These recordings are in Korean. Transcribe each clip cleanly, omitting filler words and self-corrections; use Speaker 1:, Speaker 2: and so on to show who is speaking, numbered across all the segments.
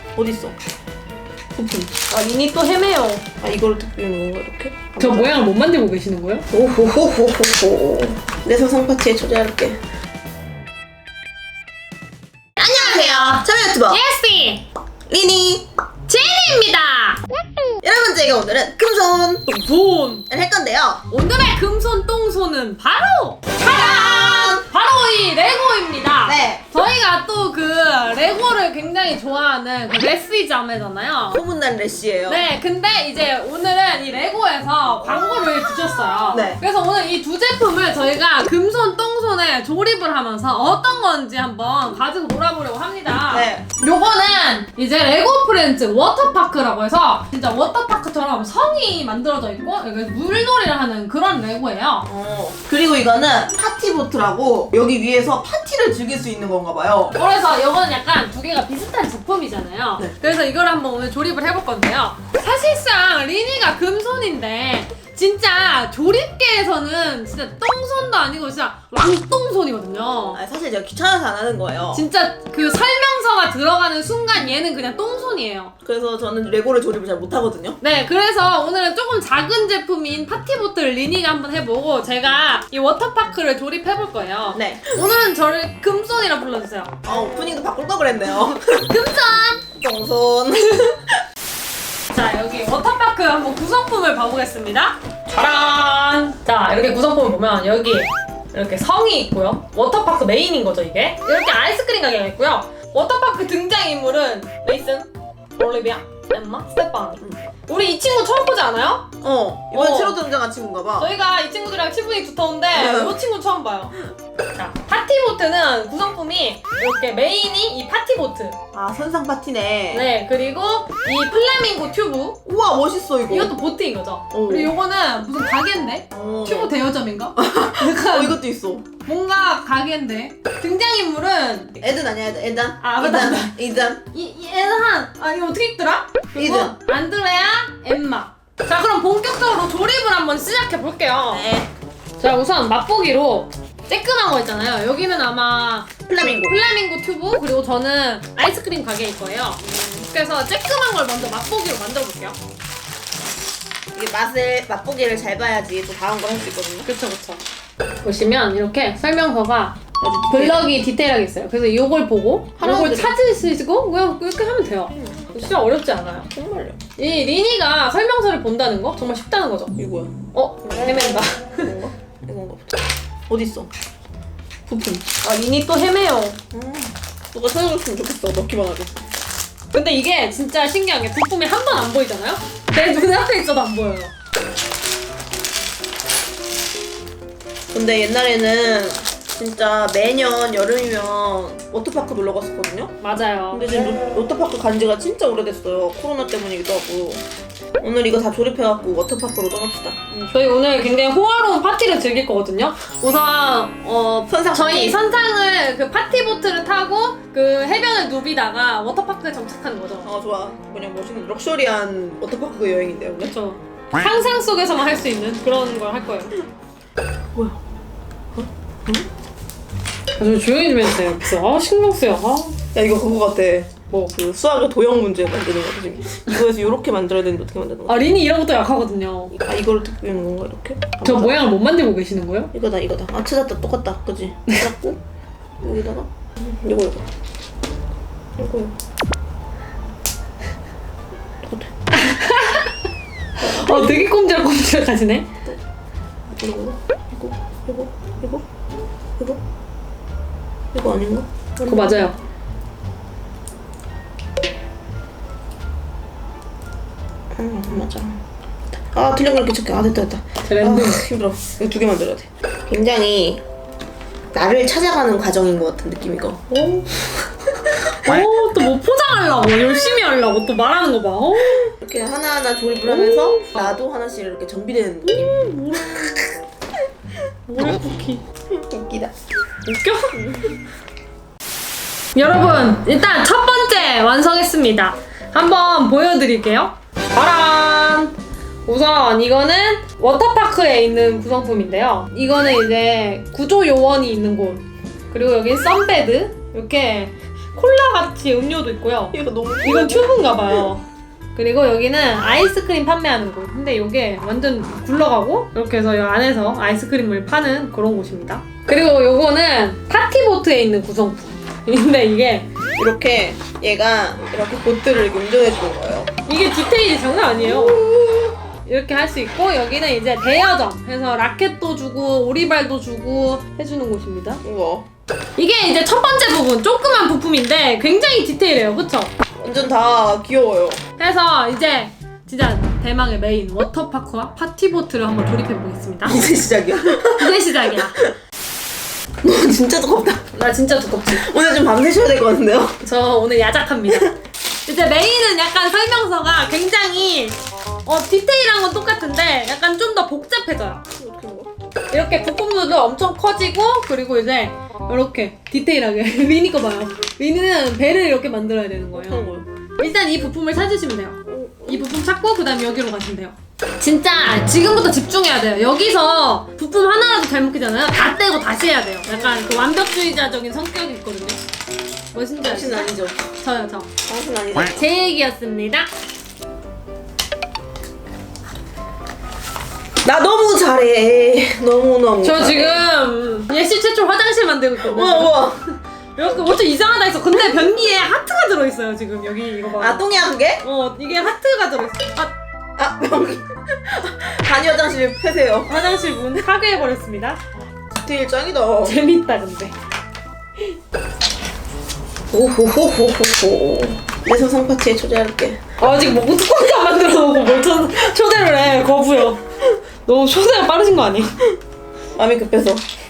Speaker 1: 어딨어? 부품.
Speaker 2: 아, 리니 또 헤매요.
Speaker 1: 아, 이걸 뜯기는 건가, 이렇게?
Speaker 3: 저 모양을 못 만들고 계시는 거예요?
Speaker 1: 오호호호호호. 내 상상 파티에 초대할게. 안녕하세요. 참여 유튜버
Speaker 2: 예스비!
Speaker 1: 리니
Speaker 2: 제니입니다!
Speaker 1: 여러분, 저희가 오늘은 금손을
Speaker 2: 돈!
Speaker 1: 할 건데요.
Speaker 2: 오늘의 금손 똥손은 바로! 짜란! 바로 이 레고입니다.
Speaker 1: 네.
Speaker 2: 저희가 또 그 레고를 굉장히 좋아하는 그 레시 자매잖아요.
Speaker 1: 소문난 레시예요.
Speaker 2: 네, 근데 이제 오늘은 이 레고에서 광고를 주셨어요.
Speaker 1: 네.
Speaker 2: 그래서 오늘 이 두 제품을 저희가 금손, 똥손에 조립을 하면서 어떤 건지 한번 가지고 놀아보려고 합니다.
Speaker 1: 네.
Speaker 2: 요거는 이제 레고 프렌즈 워터파크라고 해서 진짜 워터파크처럼 성이 만들어져 있고 여기 물놀이를 하는 그런 레고예요.
Speaker 1: 그리고 이거는 파티보트라고 여기 위에서 파티를 즐길 수 있는 건가 봐요.
Speaker 2: 그래서 이거는 약간 두 개가 비슷한 제품이잖아요.
Speaker 1: 네.
Speaker 2: 그래서 이걸 한번 오늘 조립을 해볼 건데요. 사실상 리니가 금손인데 진짜 조립계에서는 진짜 똥손도 아니고 진짜 왕똥손이거든요.
Speaker 1: 아, 사실 제가 귀찮아서 안 하는 거예요.
Speaker 2: 진짜 그 설명서가 들어가는 순간 얘는 그냥 똥손이에요.
Speaker 1: 그래서 저는 레고를 조립을 잘 못하거든요.
Speaker 2: 네, 그래서 오늘은 조금 작은 제품인 파티보트를 리니가 한번 해보고 제가 이 워터파크를 조립해볼 거예요.
Speaker 1: 네.
Speaker 2: 오늘은 저를 금손이라 불러주세요.
Speaker 1: 오프닝도 바꿀 걸 그랬네요.
Speaker 2: 금손!
Speaker 1: 똥손.
Speaker 2: 자, 여기 워터파크 한번 구성품을 봐보겠습니다. 짜란! 자, 이렇게 구성품을 보면 여기 이렇게 성이 있고요. 워터파크 메인인 거죠, 이게. 이렇게 아이스크림 가게가 있고요. 워터파크 등장인물은 메이슨, 올리비아, 엠마, 스테파니. 우리 이 친구 처음 보지 않아요?
Speaker 1: 이번에 새로 등장한 친구인가 봐.
Speaker 2: 저희가 이 친구들이랑 친분이 두터운데 이 친구 처음 봐요. 자, 파티보트는 구성품이 이렇게 메인이 이 파티보트.
Speaker 1: 아, 선상 파티네.
Speaker 2: 네, 그리고 이 플라밍고 튜브.
Speaker 1: 우와, 멋있어, 이거.
Speaker 2: 이것도 보트인 거죠.
Speaker 1: 오.
Speaker 2: 그리고 요거는 무슨 가게인데? 튜브 대여점인가? 약간
Speaker 1: 이것도 있어.
Speaker 2: 뭔가 가게인데. 등장인물은
Speaker 1: 에든 아니야, 에든.
Speaker 2: 아, 맞다, 맞다.
Speaker 1: 이든.
Speaker 2: 이 애한 이거 어떻게 읽더라? 그리고
Speaker 1: 이든.
Speaker 2: 안드레아, 엠마. 자, 그럼 본격적으로 조립을 한번 시작해 볼게요.
Speaker 1: 네.
Speaker 2: 자, 우선 맛보기로 쬐끈한 거 있잖아요. 여기는 아마
Speaker 1: 플라밍고.
Speaker 2: 플라밍고 튜브, 그리고 저는 아이스크림 가게일 거예요. 그래서 쬐끈한 걸 먼저 맛보기로 만들어 볼게요.
Speaker 1: 이게 맛보기를 잘 봐야지 또 다음 걸 할 수 있거든요.
Speaker 2: 그쵸, 그쵸. 보시면 이렇게 설명서가
Speaker 1: 아주
Speaker 2: 블럭이 디테일하게 있어요. 그래서 이걸 보고
Speaker 1: 하나만
Speaker 2: 이걸 찾으시고 그냥 이렇게 하면 돼요. 진짜 어렵지 않아요.
Speaker 1: 정말요.
Speaker 2: 이 리니가 설명서를 본다는 거 정말 쉽다는 거죠.
Speaker 1: 이거야.
Speaker 2: 헤맨다.
Speaker 1: 이건가? 이건가 보자. 어딨어? 부품.
Speaker 2: 아, 리니 또 헤매요.
Speaker 1: 누가 찾아줬으면 좋겠어. 넣기만 하고.
Speaker 2: 근데 이게 진짜 신기한 게 부품이 한 번 안 보이잖아요? 내 눈앞에 있어도 안 보여요.
Speaker 1: 근데 옛날에는 진짜 매년 여름이면 워터파크 놀러 갔었거든요?
Speaker 2: 맞아요.
Speaker 1: 근데 지금 워터파크 간 지가 진짜 오래됐어요. 코로나 때문이기도 하고. 오늘 이거 다 조립해갖고 워터파크로 떠납시다.
Speaker 2: 저희 오늘 굉장히 호화로운 파티를 즐길 거거든요. 우선
Speaker 1: 선상
Speaker 2: 저희
Speaker 1: 파티.
Speaker 2: 선상을 그 파티보트를 타고 그 해변을 누비다가 워터파크에 정착하는 거죠.
Speaker 1: 좋아. 그냥 멋있는 럭셔리한 워터파크 여행인데요, 오늘?
Speaker 2: 그렇죠. 상상 속에서만 할 수 있는 그런 걸 할 거예요.
Speaker 1: 뭐야?
Speaker 2: 좀 조용히 좀 해주세요. 그래서 신경 쓰여.
Speaker 1: 야, 이거 그거 같아.
Speaker 2: 뭐?
Speaker 1: 그 수학의 도형 문제 만드는 거 지금. 이거에서 이렇게 만들어야 되는데 어떻게 만드는 거야?
Speaker 2: 리니 이런 것도 약하거든요.
Speaker 1: 이거를 어떻게 하는 건가, 이렇게?
Speaker 3: 저 모양을 못 만들고 계시는 거예요?
Speaker 1: 이거다. 찾았다. 똑같다. 그지? 찾았고, 여기다가, 이거. 똑같아.
Speaker 2: 되게 꼼지락꼼지락하시네.
Speaker 1: 이거 아닌가?
Speaker 3: 그거 맞아요.
Speaker 1: 맞아. 틀린 걸 이렇게 척해. 됐다.
Speaker 3: 랜덤.
Speaker 1: 힘들어. 이거 두 개 만들어야 돼. 굉장히 나를 찾아가는 과정인 것 같은 느낌이고.
Speaker 2: 또 뭐 포장하려고 열심히 하려고 또 말하는 거 봐.
Speaker 1: 이렇게 하나하나 조립을 하면서 나도 하나씩 이렇게 정비되는 느낌.
Speaker 2: 모래 쿠키.
Speaker 1: 웃기다.
Speaker 2: 웃겨? 여러분, 일단 첫 번째 완성했습니다. 한번 보여드릴게요. 짜란! 우선 이거는 워터파크에 있는 구성품인데요. 이거는 이제 구조 요원이 있는 곳. 그리고 여긴 선베드. 이렇게 콜라같이 음료도 있고요.
Speaker 1: 이거 너무
Speaker 2: 이건 튜브인가봐요. 그리고 여기는 아이스크림 판매하는 곳. 근데 이게 완전 굴러가고 이렇게 해서 이 안에서 아이스크림을 파는 그런 곳입니다. 그리고 요거는 파티보트에 있는 구성품. 근데 이게
Speaker 1: 이렇게 얘가 이렇게 보트를 이렇게 운전해 주는 거예요.
Speaker 2: 이게 디테일이 장난 아니에요. 이렇게 할 수 있고 여기는 이제 대여점 해서 라켓도 주고 오리발도 주고 해주는 곳입니다.
Speaker 1: 우와.
Speaker 2: 이게 이제 첫 번째 부분 조그만 부품인데 굉장히 디테일해요. 그쵸?
Speaker 1: 완전 다 귀여워요.
Speaker 2: 그래서 이제 진짜 대망의 메인 워터파크와 파티보트를 한번 조립해 보겠습니다.
Speaker 1: 이제 시작이야.
Speaker 2: 이제 시작이야.
Speaker 1: 너 진짜 두껍다.
Speaker 2: 나 진짜 두껍지?
Speaker 1: 오늘 좀 밤새셔야 될 것 같은데요?
Speaker 2: 저 오늘 야작합니다. 이제 메인은 약간 설명서가 굉장히 디테일한 건 똑같은데 약간 좀 더 복잡해져요.
Speaker 1: 어떻게 먹어?
Speaker 2: 이렇게 부품들도 엄청 커지고 그리고 이제 이렇게 디테일하게 미니 거 봐요. 미니는 배를 이렇게 만들어야 되는
Speaker 1: 어떤
Speaker 2: 거예요.
Speaker 1: 거요?
Speaker 2: 일단 이 부품을 찾으시면 돼요. 이 부품 찾고 그 다음에 여기로 가시면 돼요. 진짜 지금부터 집중해야 돼요. 여기서 부품 하나라도 잘못이잖아요. 다 떼고 다시 해야 돼요. 약간 그 완벽주의자적인 성격이 있거든요. 멋있는지
Speaker 1: 당신은
Speaker 2: 아시죠?
Speaker 1: 아니죠?
Speaker 2: 저요 저.
Speaker 1: 당신은 아니죠?
Speaker 2: 제 얘기였습니다.
Speaker 1: 나 너무 잘해. 너무너무
Speaker 2: 저
Speaker 1: 잘해.
Speaker 2: 지금 예시 최초 화장실 만들고 있거든요.
Speaker 1: 우와.
Speaker 2: 이렇게 엄청 이상하다 했어. 근데 변기에 하트가 들어있어요 지금 여기 이거 봐.
Speaker 1: 아 똥이야 그게?
Speaker 2: 이게 하트가 들어있어.
Speaker 1: 아 여기 간이 화장실 폐세요.
Speaker 2: 화장실 문 파괴해버렸습니다.
Speaker 1: 디테일 짱이다.
Speaker 2: 재밌다 근데.
Speaker 1: 오호호호호호. 내 소상 파티에 초대할게.
Speaker 2: 아직 뭐 뚜껑도 안 만들어 놓고 뭘 초대를 해. 거부요. 너무 초대가 빠르신 거 아니야?
Speaker 1: 마음이 급해서.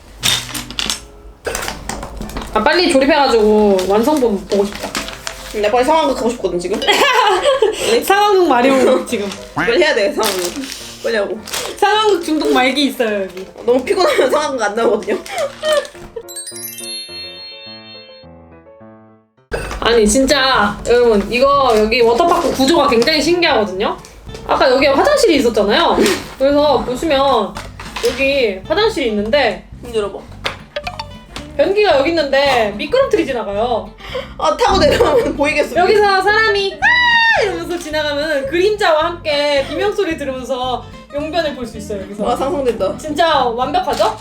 Speaker 2: 아 빨리 조립해가지고 완성본 보고 싶다.
Speaker 1: 나 빨리 상황극 하고 싶거든 지금.
Speaker 2: 상황극 마리오 지금.
Speaker 1: 빨리 해야 돼 상황극. 빨리 하고.
Speaker 2: 상황극 중독 말기 있어요 여기.
Speaker 1: 너무 피곤하면 상황극 안 나오거든요.
Speaker 2: 아니 진짜 여러분 이거 여기 워터파크 구조가 굉장히 신기하거든요. 아까 여기 화장실이 있었잖아요. 그래서 보시면 여기 화장실이 있는데
Speaker 1: 문 열어봐.
Speaker 2: 변기가 여기 있는데 미끄럼틀이 지나가요.
Speaker 1: 아 타고 내려오면 보이겠어.
Speaker 2: 여기서 사람이 아 이러면서 지나가면 그림자와 함께 비명소리 들으면서 용변을 볼 수 있어요 여기서.
Speaker 1: 와 상상된다.
Speaker 2: 진짜 완벽하죠?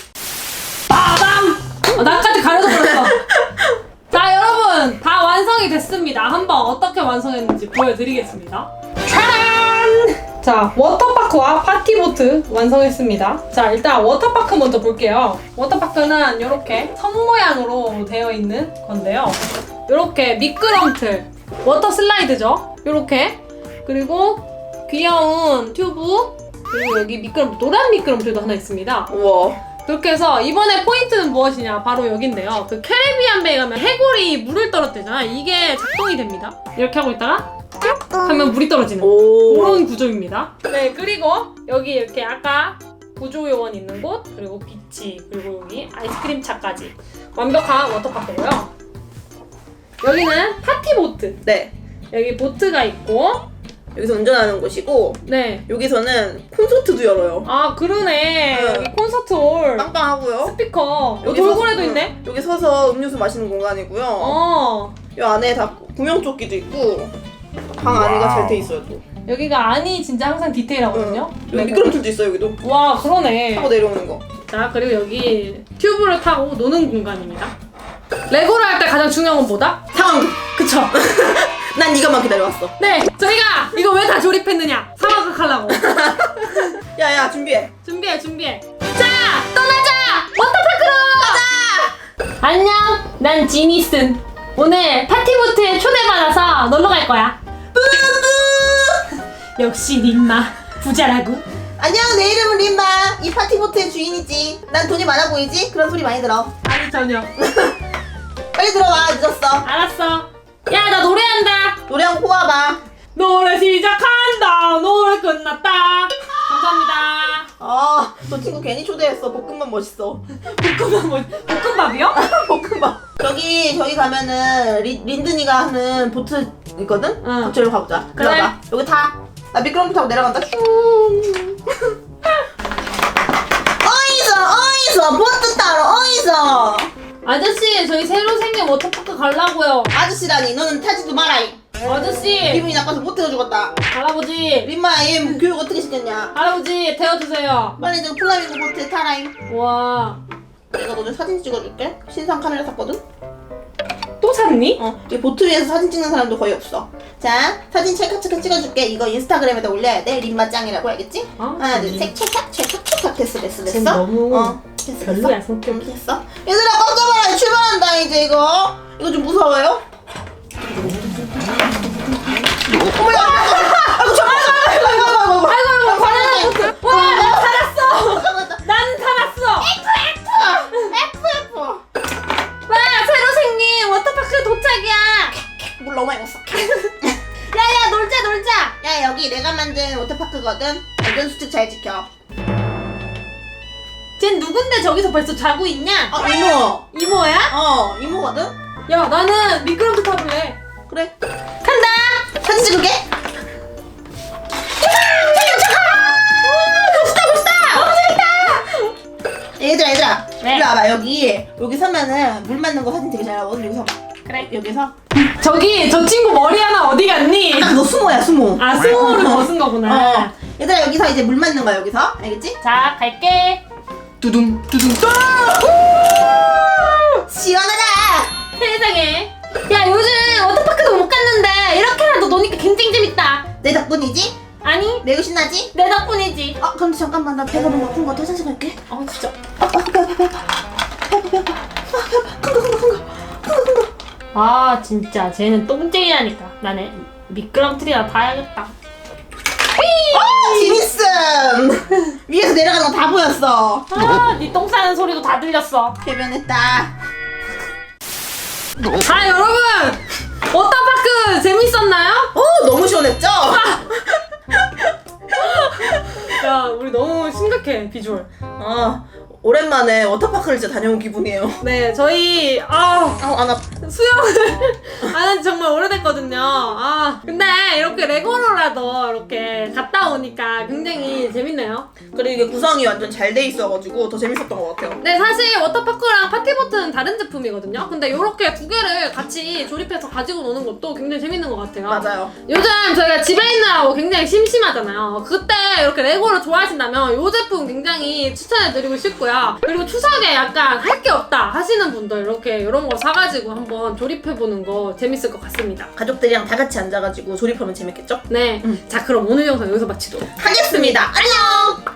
Speaker 2: 빠밤! 나까지 가려서 그랬어. 자 여러분 다 완성이 됐습니다. 한번 어떻게 완성했는지 보여드리겠습니다. 짜란! 자 워터파크와 파티보트 완성했습니다. 자 일단 워터파크 먼저 볼게요. 워터파크는 이렇게 선 모양으로 되어 있는 건데요. 이렇게 미끄럼틀 워터 슬라이드죠. 이렇게 그리고 귀여운 튜브 그리고 여기 미끄럼틀 노란 미끄럼틀도 하나 있습니다.
Speaker 1: 우와.
Speaker 2: 그렇게 해서 이번에 포인트는 무엇이냐 바로 여긴데요. 그 캐리비안 베이 가면 해골이 물을 떨어뜨리잖아. 이게 작동이 됩니다. 이렇게 하고 있다가 쭉 하면 물이 떨어지는
Speaker 1: 오.
Speaker 2: 그런 구조입니다. 네 그리고 여기 이렇게 아까 구조요원 있는 곳 그리고 비치 그리고 여기 아이스크림 차까지 완벽한 워터파크고요. 여기는 파티보트.
Speaker 1: 네.
Speaker 2: 여기 보트가 있고
Speaker 1: 여기서 운전하는 곳이고
Speaker 2: 네.
Speaker 1: 여기서는 콘서트도 열어요.
Speaker 2: 아 그러네.
Speaker 1: 네.
Speaker 2: 여기 콘서트 홀
Speaker 1: 빵빵하고요.
Speaker 2: 스피커 여기
Speaker 1: 서서-
Speaker 2: 돌고래도 있네.
Speaker 1: 여기 서서 음료수 마시는 공간이고요. 이 안에 다 구명조끼도 있고 방 안에가 잘 돼 있어요 또.
Speaker 2: 여기가 안이 진짜 항상 디테일하거든요.
Speaker 1: 여기 미끄럼틀도 있어요 여기도.
Speaker 2: 와 그러네.
Speaker 1: 타고 내려오는 거.
Speaker 2: 자 그리고 여기 튜브를 타고 노는 공간입니다. 레고를 할 때 가장 중요한 건 뭐다?
Speaker 1: 상황극.
Speaker 2: 그쵸?
Speaker 1: 난 이것만 기다려왔어.
Speaker 2: 네 저희가 이거 왜 다 조립했느냐? 상황극 하려고.
Speaker 1: 야야 준비해.
Speaker 2: 준비해. 자 떠나자. 워터파크로. 가자. 안녕. 난 지니슨. 오늘 파티보트에 초대받아서 놀러 갈 거야. 역시 림마 부자라고.
Speaker 1: 안녕 내 이름은 림마. 이 파티보트의 주인이지. 난 돈이 많아 보이지? 그런 소리 많이 들어.
Speaker 2: 아니 전혀.
Speaker 1: 빨리 들어와 늦었어.
Speaker 2: 알았어. 야 나 노래한다.
Speaker 1: 노래 한곡 뽑아봐.
Speaker 2: 노래 시작한다. 노래 끝났다. 감사합니다.
Speaker 1: 너 친구 괜히 초대했어. 볶음밥 멋있어.
Speaker 2: 볶음밥이요?
Speaker 1: 볶음밥. 저기 가면은 린든이가 하는 보트 있거든?
Speaker 2: 응.
Speaker 1: 보트로 가보자.
Speaker 2: 그래.
Speaker 1: 들어가. 여기 타. 나 미끄럼틀 타고 내려간다. 슝. 어이서 보트 타러 어이서.
Speaker 2: 아저씨 저희 새로 생긴 워터파크 가려고요.
Speaker 1: 아저씨라니 너는 타지도 마라이.
Speaker 2: 아저씨
Speaker 1: 기분이 나빠서 못 태워주겠다.
Speaker 2: 할아버지
Speaker 1: 림마 얘 교육 어떻게 시켰냐?
Speaker 2: 할아버지 태워주세요.
Speaker 1: 빨리 저 플라밍고 보트에 타라잉.
Speaker 2: 와.
Speaker 1: 내가 너네 사진 찍어줄게. 신상 카메라 샀거든?
Speaker 2: 또 샀니?
Speaker 1: 이 보트 위에서 사진 찍는 사람도 거의 없어. 자, 사진 찰칵찰칵 찍어줄게. 이거 인스타그램에다 올려야 돼. 림마 짱이라고 알겠지?
Speaker 2: 아,
Speaker 1: 하나, 둘, 셋, 찰칵찰칵 됐어.
Speaker 2: 쟤 너무
Speaker 1: 됐어.
Speaker 2: 별로야, 성격.
Speaker 1: 됐어. 얘들아, 깜짝이야. 출발한다, 이제 이거. 이거 좀 무서워요? 어머야! 아이고, 잠깐만!
Speaker 2: 아이고 바나나 보트. 와, 나 살았어. 난 살았어.
Speaker 1: F.
Speaker 2: 와, 새로 생긴 워터파크 도착이야.
Speaker 1: 물 너무 많이 먹었어. 야야, 놀자. 야, 여기 내가 만든 워터파크거든. 안전수칙 잘 지켜.
Speaker 2: 쟨 누군데 저기서 벌써 자고 있냐?
Speaker 1: 이모.
Speaker 2: 이모야?
Speaker 1: 이모거든?
Speaker 2: 야, 나는 미끄럼틀 타볼래.
Speaker 1: 그래. 간다! 사진 찍을게. 얘들아.
Speaker 2: 네.
Speaker 1: 이리 와봐. 여기 서면은 물 맞는 거 사진 되게 잘 나오거든. 여기 서봐.
Speaker 2: 그래.
Speaker 1: 여기서.
Speaker 2: 저기 저 친구 머리 하나 어디 갔니?
Speaker 1: 딱 너 수모야, 수모.
Speaker 2: 아, 스모를 벗은 거구나.
Speaker 1: 얘들아, 여기서 이제 물 맞는 거야, 여기서. 알겠지?
Speaker 2: 자, 갈게.
Speaker 1: 두둥. 시원하다!
Speaker 2: 세상에. 야, 요즘 워터파크도 못 갔는데 이렇게라도 노니까 굉장히 재밌다.
Speaker 1: 내 덕분이지?
Speaker 2: 아니,
Speaker 1: 매우 신나지?
Speaker 2: 내 덕분이지.
Speaker 1: 근데 잠깐만, 나 배가 너무 아픈 거 같아. 화장실 갈게.
Speaker 2: 진짜. 아, 진짜 쟤는 똥쟁이라니까. 나는 미끄럼틀이나 타야겠다.
Speaker 1: 재밌음! 위에서 내려가는 거 다 보였어.
Speaker 2: 아, 니 똥 싸는 소리도 다 들렸어.
Speaker 1: 배변했다.
Speaker 2: 자, 여러분, 워터파크 재밌었나요?
Speaker 1: 너무 시원했죠?
Speaker 2: 야, 우리 너무 심각해, 비주얼.
Speaker 1: 오랜만에 워터파크를 진짜 다녀온 기분이에요.
Speaker 2: 네, 저희
Speaker 1: 안 아파.
Speaker 2: 수영을 안 한 지 정말 오래됐거든요. 근데 이렇게 레고로라도 이렇게 갔다 오니까 굉장히 재밌네요.
Speaker 1: 그리고 이게 구성이 완전 잘 돼 있어가지고 더 재밌었던 것 같아요.
Speaker 2: 네, 사실 워터파크랑 파티보트는 다른 제품이거든요. 근데 이렇게 두 개를 같이 조립해서 가지고 노는 것도 굉장히 재밌는 것 같아요.
Speaker 1: 맞아요.
Speaker 2: 요즘 저희가 집에 있느라고 굉장히 심심하잖아요. 그때 이렇게 레고를 좋아하신다면 이 제품 굉장히 추천해드리고 싶고요. 그리고 추석에 약간 할 게 없다 하시는 분들 이렇게 이런 거 사가지고 한번 조립해보는 거 재밌을 것 같습니다.
Speaker 1: 가족들이랑 다 같이 앉아가지고 조립하면 재밌겠죠?
Speaker 2: 네. 자, 그럼 오늘 영상 여기서 마치도록
Speaker 1: 하겠습니다. 안녕!